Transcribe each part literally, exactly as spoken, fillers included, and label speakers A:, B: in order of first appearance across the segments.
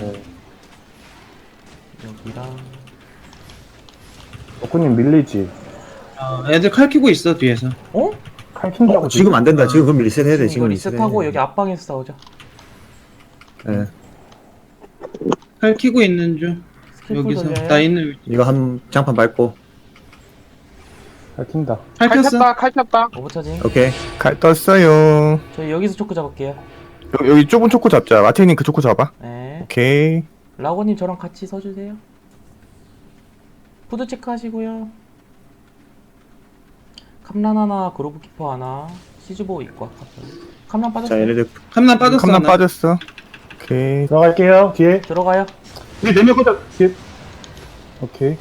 A: 네.
B: 여기랑
A: 덕구님 밀리지.
C: 어, 애들 칼 키고 있어 뒤에서.
B: 어?
A: 칼 킨다고
D: 어, 지금 안 된다. 지금 그럼 리셋해야 돼.
B: 지금 이거
D: 지금
B: 리셋하고
D: 리셋해.
B: 여기 앞방에서 싸우자.
D: 예.
C: 칼 키고 있는 중.
B: 스킬풀
C: 여기서
B: 돌려요.
C: 나 있는 위치.
D: 이거 한 장판 밟고.
A: 칼 킨다.
C: 칼
E: 칼
C: 켰어.
E: 켰다 칼 켰다.
B: 오버차징.
D: 오케이.
F: 칼 떴어요.
B: 저희 여기서 초크 잡을게요.
F: 여, 여기 좁은 초코 잡자. 마테님 그 초코 잡아.
B: 네.
F: 오케이.
B: 라고님 저랑 같이 서주세요. 푸드 체크하시고요. 캄란 하나, 그로브 키퍼 하나, 시즈보 있고 캄란
D: 자,
B: 빠졌어요.
D: 얘네들
C: 캄난 빠졌어.
F: 캄난
C: 하나.
F: 빠졌어. 오케이.
A: 들어갈게요. 뒤에.
B: 들어가요.
A: 뒤에 네명 꽂아. 뒤에. 오케이.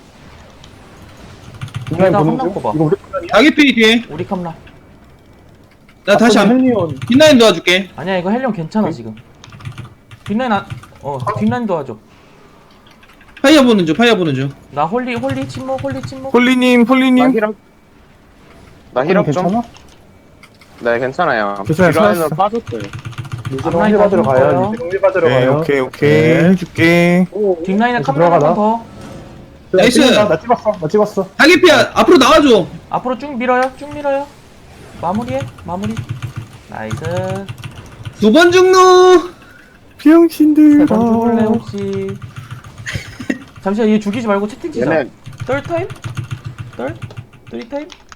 B: 뒤에다
A: 인라인 보는
B: 한명
A: 중.
B: 뽑아.
A: 이거 우리 편이야?
C: 다기피 뒤에.
B: 우리 캄란.
C: 나 다시 안.
A: 헬리온.
C: 뒷라인 도와줄게.
B: 아니야 이거 헬륨 괜찮아 지금. 뒷라인 안. 어 뒷라인 도와줘.
C: 파이어 보는 중. 파이어 보는 중.
B: 나 홀리 홀리 침묵 홀리 침묵.
F: 홀리님,
E: 나
F: 홀리님.
E: 힐업. 나 힐업 좀.
A: 괜찮아?
E: 네 괜찮아요.
F: 괜찮아요,
E: 딜라인으로
F: 살았어.
E: 빠졌어요.
A: 리즈로
B: 앞라인
A: 힐 받으러
B: 다
A: 가요.
B: 죽어요.
A: 리즈로 힐 받으러
F: 네,
A: 가요.
F: 오케이, 오케이.
D: 네.
F: 해줄게.
B: 뒷라인에
A: 다시
B: 캄란 한
A: 들어가나?
B: 번 더.
C: 나이스.
A: 나, 나 찍었어. 나 찍었어.
C: 다기피야 앞으로 나와줘.
B: 앞으로 쭉 밀어요. 쭉 밀어요. 마무리해. 마무리. 나이스.
C: 두 번 죽노.
F: 병신들.
B: 세번 죽을래 혹시. 잠시만 얘 죽이지 말고 채팅 치자.
E: 얘네
B: 떨 타임? 떨? 쓰리 타임?